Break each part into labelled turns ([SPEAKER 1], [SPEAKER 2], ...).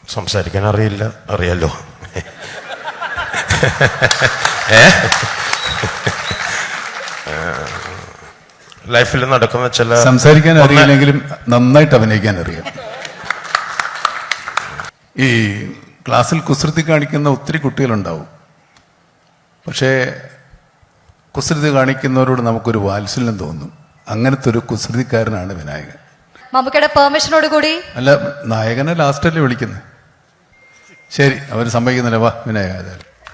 [SPEAKER 1] സംസാരിക്കാൻ അറിയില്ല, അറിയാലോ. ലൈഫിൽ നടക്കുന്ന ചില
[SPEAKER 2] സംസാരിക്കാൻ അറിയില്ലെങ്കിലും നന്നായിട്ട് അഭിനയിക്കാൻ അറിയാം. ഈ ക്ലാസ്സിൽ കുസൃതി കാണിക്കുന്ന ഒത്തിരി കുട്ടികളുണ്ടാവും. പക്ഷേ കുസൃതി കാണിക്കുന്നവരോട് നമുക്കൊരു വാത്സല്യം തോന്നും. അങ്ങനത്തെ ഒരു കുസൃതിക്കാരനാണ് വിനായകൻ.
[SPEAKER 3] മമ്മൂക്കയുടെ പെർമിഷനോട് കൂടി
[SPEAKER 2] അല്ല, നായകനെ ലാസ്റ്റല്ലേ വിളിക്കുന്നത്. ശരി, അവർ സമ്മതിക്കുന്നില്ല. വാ വിനായക.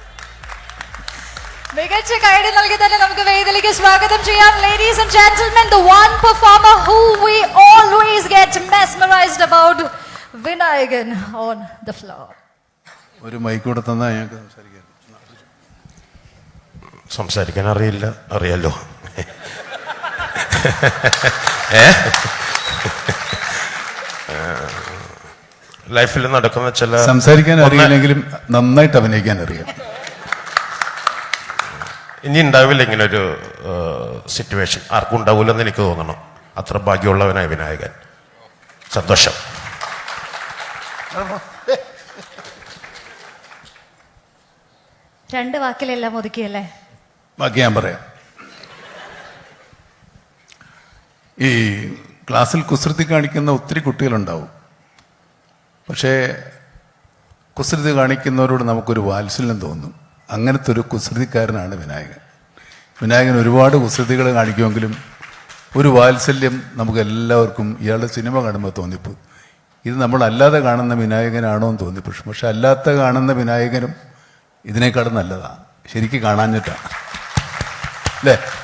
[SPEAKER 3] മികച്ച കൈഡി നൽകി തന്നെ നമുക്ക് വേദിയിലേക്ക് സ്വാഗതം ചെയ്യാം. Ladies and gentlemen, the one performer who we always get mesmerized about, Vinayagan on the floor.
[SPEAKER 2] ഒരു മൈക്ക് കൂടെ തന്നാൽ ഞങ്ങൾക്ക് സംസാരിക്കാം.
[SPEAKER 1] സംസാരിക്കാൻ അറിയില്ല, അറിയാലോ. ലൈഫിൽ നടക്കുന്ന ചില
[SPEAKER 2] സംസാരിക്കാൻ അറിയില്ലെങ്കിലും നന്നായിട്ട് അഭിനയിക്കാൻ അറിയാം.
[SPEAKER 1] ഇനി ഉണ്ടാവില്ല ഇങ്ങനൊരു സിറ്റുവേഷൻ, ആർക്കും ഉണ്ടാവില്ലെന്ന് എനിക്ക് തോന്നണം. അത്ര ഭാഗ്യമുള്ളവനായ വിനായകൻ. സന്തോഷം.
[SPEAKER 3] രണ്ട് വാക്കിലെല്ലാം ഒതുക്കിയല്ലേ?
[SPEAKER 2] ബാക്കി ഞാൻ പറയാം. ഈ ക്ലാസ്സിൽ കുസൃതി കാണിക്കുന്ന ഒത്തിരി കുട്ടികളുണ്ടാവും. പക്ഷേ കുസൃതി കാണിക്കുന്നവരോട് നമുക്കൊരു വാത്സല്യം തോന്നും. അങ്ങനത്തെ ഒരു കുസൃതിക്കാരനാണ് വിനായകൻ. വിനായകൻ ഒരുപാട് കുസൃതികൾ കാണിക്കുമെങ്കിലും ഒരു വാത്സല്യം നമുക്ക് എല്ലാവർക്കും ഇയാളുടെ സിനിമ കാണുമ്പോൾ തോന്നിപ്പോകും. ഇത് നമ്മളല്ലാതെ കാണുന്ന വിനായകനാണോ എന്ന് തോന്നിപ്പോഴും. പക്ഷെ അല്ലാത്ത കാണുന്ന വിനായകനും ഇതിനേക്കാളും നല്ലതാണ്. ശരിക്കും കാണാഞ്ഞിട്ടാണ് അല്ലേ?